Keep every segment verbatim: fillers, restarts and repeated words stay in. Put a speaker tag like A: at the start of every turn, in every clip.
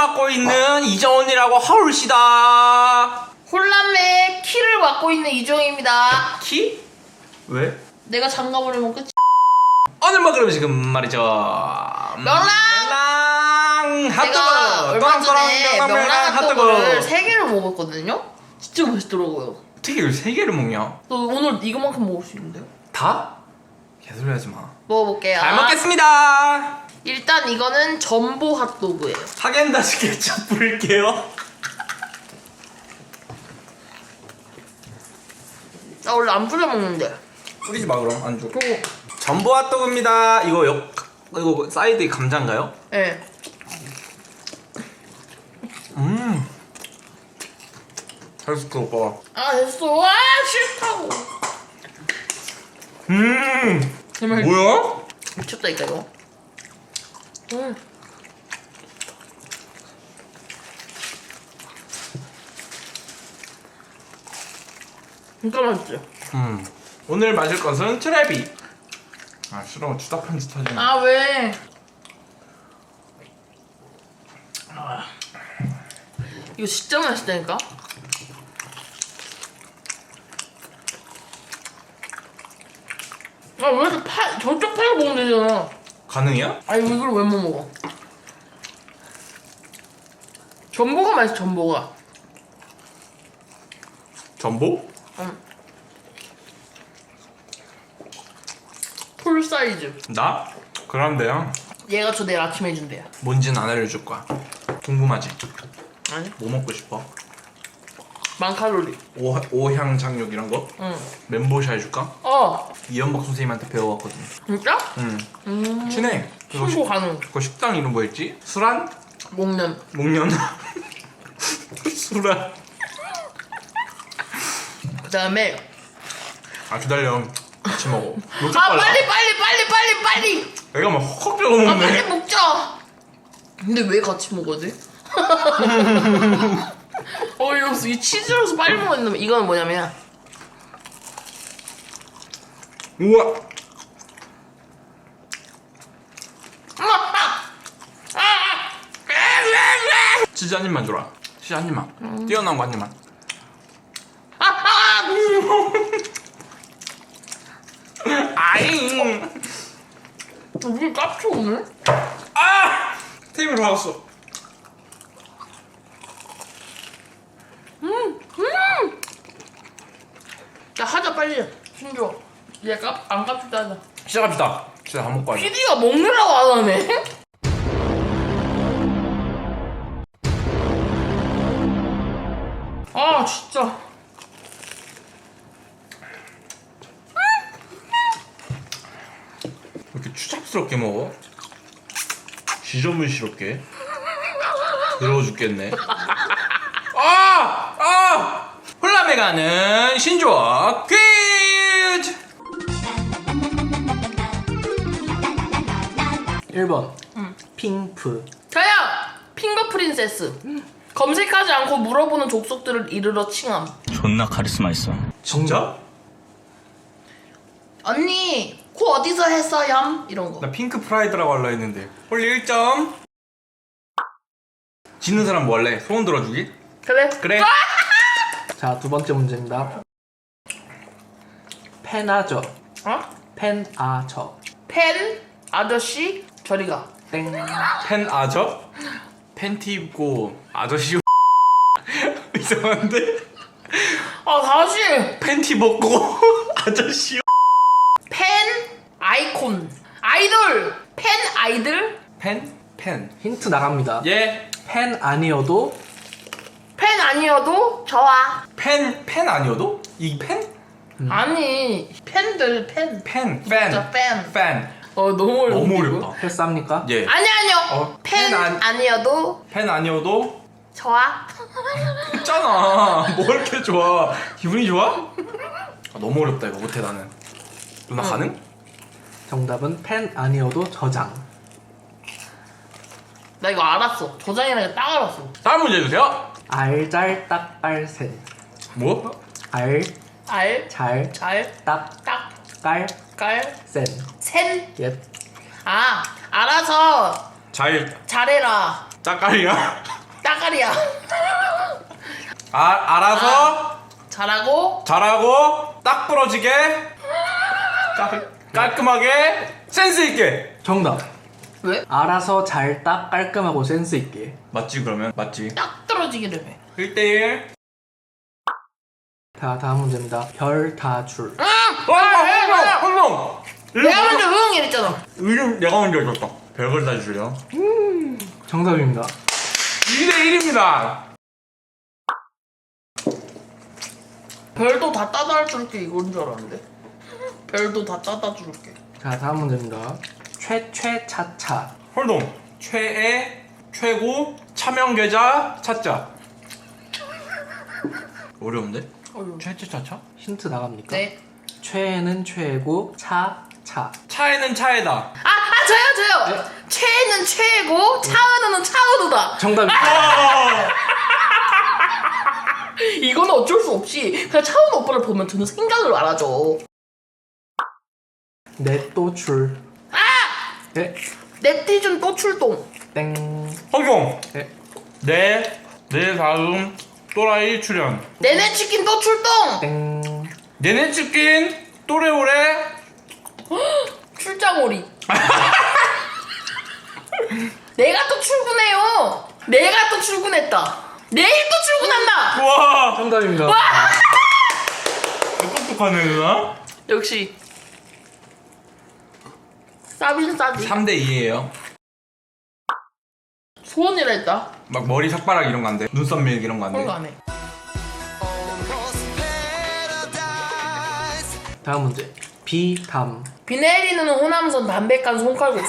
A: 맡고 있는 이정원이라고 하울시다.
B: 혼란의 키를 맡고 있는 이정입니다.
A: 키? 왜?
B: 내가 장가버리면 끝이.
A: 오늘 먹을 음식은 말이죠.
B: 명랑!
A: 명랑 핫도그.
B: 제가 얼마 전에
A: 명랑
B: 명랑 핫도그를 세 개를 먹었거든요. 진짜 맛있더라고요.
A: 어떻게 이걸 세 개를 먹냐?
B: 너 오늘 이거만큼 먹을 수 있는데요?
A: 다? 개소리 하지 마.
B: 먹어볼게요.
A: 잘 먹겠습니다.
B: 일단 이거는 전보 핫도그예요.
A: 하겐다즈 케첩 뿌릴게요.
B: 나 원래 안 뿌려 먹는데.
A: 뿌리지 마 그럼 안 줘.
B: 그거.
A: 전보 핫도그입니다. 이거 역 이거 사이드에 감자인가요?
B: 네.
A: 음. 맛있어 오빠.
B: 아 됐어. 와 싫다고.
A: 음.
B: 정말
A: 뭐야?
B: 미쳤다니까 이거. 음. 진짜 맛있지?
A: 음. 오늘 마실 것은 트레비. 아 싫어 주다 편지 터지네.
B: 아 왜? 아. 이거 진짜 맛있다니까? 아 왜 이렇게 팔 저쪽 팔 먹으면 되잖아.
A: 가능이야?
B: 아니 이걸 왜 못 먹어? 전보가 맛있어. 전보가.
A: 전보?
B: 응. 풀 사이즈.
A: 나? 그런데요.
B: 얘가 저 내일 아침에 해준대요.
A: 뭔지는 안 알려줄 거야. 궁금하지?
B: 아니?
A: 뭐 먹고 싶어?
B: 만 칼로리.
A: 오, 오향 장육 이런 거?
B: 응.
A: 멘보샤 해줄까?
B: 어.
A: 이연박 선생님한테 배워왔거든.
B: 진짜?
A: 응.
B: 음.
A: 친해. 그거,
B: 신고
A: 식,
B: 가능.
A: 그거 식당 이름 뭐였지? 수란?
B: 목련.
A: 목련? 수란.
B: 그다음에
A: 아 기다려. 같이 먹어.
B: 아 빨리 빨리 빨리 빨리 빨리.
A: 내가 막 헉헉 빼고
B: 아 빨리
A: 먹네.
B: 먹자. 근데 왜 같이 먹어야 돼? 어이없어. 이 치즈로서 빨리 먹어야 된다면 이거는 뭐냐면
A: 우와. 치즈 한 입만 줘라. 치즈 한 입만. 음. 뛰어난 거 한 입만. 아잉.
B: 우리 깝쳐 오늘?
A: 아! 테이블 받았어.
B: 음, 음. 야 하자 빨리. 신조. 얘 깝 안 깝치다 하자.
A: 시작합시다. 진짜 다 먹고 하자.
B: 피디가 먹느라고 안 하네. 아 진짜.
A: 왜 이렇게 추잡스럽게 먹어? 지저분스럽게. 더러워 죽겠네. 아! 아! 홀라메 가는 신조어 퀴즈!
C: 일 번
B: 응.
C: 핑프.
B: 저요! 핑거 프린세스. 검색하지 않고 물어보는 족속들을 이르러 칭함.
D: 존나 카리스마 있어.
A: 진짜?
B: 언니 코 어디서 했어요? 이런 거.
A: 나 핑크 프라이드라고 하려 했는데. 홀리 일 점. 지는 사람 뭐 할래? 소원 들어주기?
B: 그래?
A: 그래.
C: 자, 두 번째 문제입니다. 펜아저.
B: 어?
C: 펜아저.
B: 펜 아저씨 저리 가.
C: 땡.
A: 팬 아저? 팬티 입고 아저씨 이상한데?
B: 아 다시.
A: 팬티 벗고 아저씨
B: 펜 아이콘 아이돌. 펜 아이들.
A: 펜? 펜.
C: 힌트 나갑니다.
A: 예.
C: 펜 아니어도
B: 펜 아니어도 좋아.
A: 펜, 펜 아니어도? 이 펜?
B: 음. 아니 팬들 팬.
A: 펜, 팬.
B: 진짜 팬.
A: 팬.
B: 어 너무 어려운데,
A: 너무
B: 이거?
A: 어렵다.
C: 패스합니까?
A: 예.
B: 아니 아니요.
A: 어,
B: 펜,
A: 펜 안-
B: 아니어도
A: 펜 아니어도
B: 좋아.
A: 했잖아. 뭐 이렇게 좋아? 기분이 좋아? 아, 너무 어렵다 이거 못해 나는. 누나
B: 응.
A: 가능?
C: 정답은 펜 아니어도 저장.
B: 나 이거 알았어. 저장이라는 게 딱 알았어.
A: 다음 문제 주세요.
C: 알잘딱깔센.
A: 뭐?
C: 알,
B: 알,
C: 잘,
B: 잘,
C: 딱,
B: 딱,
C: 깔,
B: 깔,
C: 센.
B: 센.
C: 옛.
B: 아, 알아서
A: 잘
B: 잘해라.
A: 짝깔이야?
B: 따까리야.
A: 아, 알아서
B: 잘하고
A: 잘하고 딱 부러지게 깔, 깔끔하게 센스 있게.
C: 정답.
B: 왜?
C: 알아서 잘 딱 깔끔하고 센스 있게.
A: 맞지 그러면? 맞지.
B: 딱 떨어지기를 해.
A: 일 대일.
C: 자, 다음 문제입니다. 별 다 줄.
B: 응!
A: 와,
B: 내가
A: 헐렁.
B: 먼저 응 이랬잖아.
A: 이름 내가 먼저 읽었다. 별걸 다 주려.
C: 정답입니다.
A: 이 대일입니다.
B: 별도 다 따다 줄게 이건 줄 알았는데. 별도 다 따다 줄게.
C: 자, 다음 문제입니다. 최최차차.
A: 홀동. 최애 최고 차명계좌 찾자. 어려운데?
B: 어휴.
A: 최최차차?
C: 힌트 나갑니까?
B: 네.
C: 최는 최고, 차, 차.
A: 차에는 차에다.
B: 아, 아 저요 저요. 최는 최고, 차은우는 차은우다.
C: 정답입니다.
B: 이거는 어쩔 수 없이 그냥 차은우 오빠를 보면 드는 생각을 알아줘.
C: 넷도출.
B: 아!
C: 네.
B: 넵티즌 또 출동.
C: 땡.
A: 허경.
C: 네.
A: 내, 내 다음 또라이 출연.
B: 내내 치킨 또 출동.
C: 땡.
A: 내내 치킨 또래오래.
B: 출장오리. 내가 또 출근해요. 내가 또 출근했다. 내일 또 출근한다.
A: 와,
C: 정답입니다.
A: 똑똑하네 누나.
B: 역시 싸빈 싸지.
A: 삼 대 이예요.
B: 소원이라 했다.
A: 막 머리 삭발하기 이런 거 안 돼. 눈썹 밀기 이런 거 안
B: 그런 거
A: 돼.
B: 안 해.
C: 다음 문제. 비담.
B: 비 내리는 호남선 담백한 손칼국수.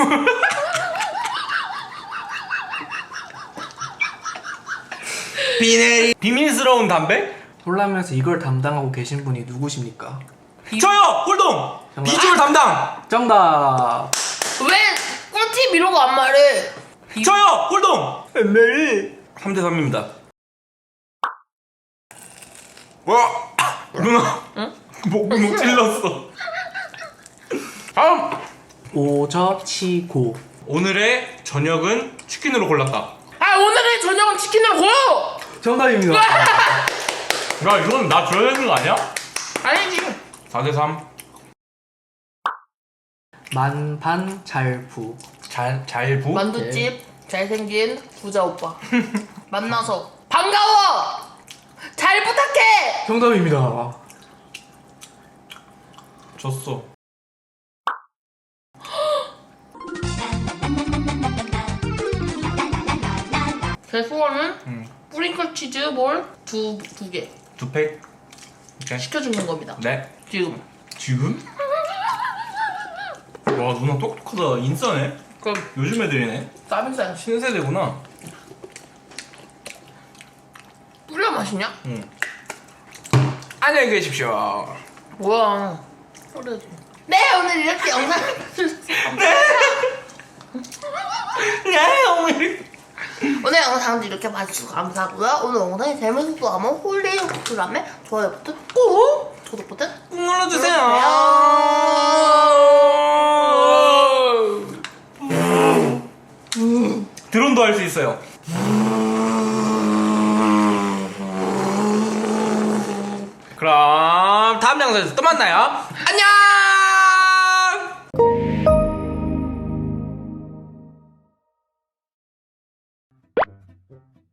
A: 비내리. 비밀스러운 담배?
C: 홀라면서 이걸 담당하고 계신 분이 누구십니까?
A: 저요! 홀동!
C: 정답.
A: 비주얼 담당!
C: 정답.
B: 왜 꿀팁 이러고 안 말해?
A: 저요! 홀동! 엠메리 삼 대 삼입니다. 와! 누나!
B: 응?
A: 목, 목 찔렀어. 다음!
C: 오저치고.
A: 오늘의 저녁은 치킨으로 골랐다.
B: 아 오늘의 저녁은 치킨으로 고요.
C: 정답입니다.
A: 야, 이건 나 줘야 되는 거 아니야?
B: 아니지.
A: 사 대 삼.
C: 만반잘부.
A: 잘, 잘 부?
B: 만두집 잘생긴 부자 오빠 만나서 반가워. 잘 부탁해.
C: 정답입니다.
A: 졌어.
B: 제 소원은
A: 응.
B: 뿌링클 치즈 볼 두 두 개
A: 두 팩. 오케이.
B: 시켜주는 겁니다.
A: 네.
B: 지금.
A: 지금? 와, 누나 똑똑하다. 인싸네.
B: 그럼
A: 요즘 애들이네.
B: 싸빈싸
A: 신세대구나.
B: 뿌려 마시냐?
A: 응. 안녕히 계십시오.
B: 뭐야? 뿌려야지. 네 오늘 이렇게 영상
A: 네, 어머니.
B: 오늘 영상도 이렇게 봐주셔서 감사하고요. 오늘 영상이 재밌었다면 홀리 구독라면 좋아요 버튼 꾹 구독 버튼
A: 꾹 눌러주세요. 드론도 할 수 있어요. 그럼 다음 영상에서 또 만나요. 안녕.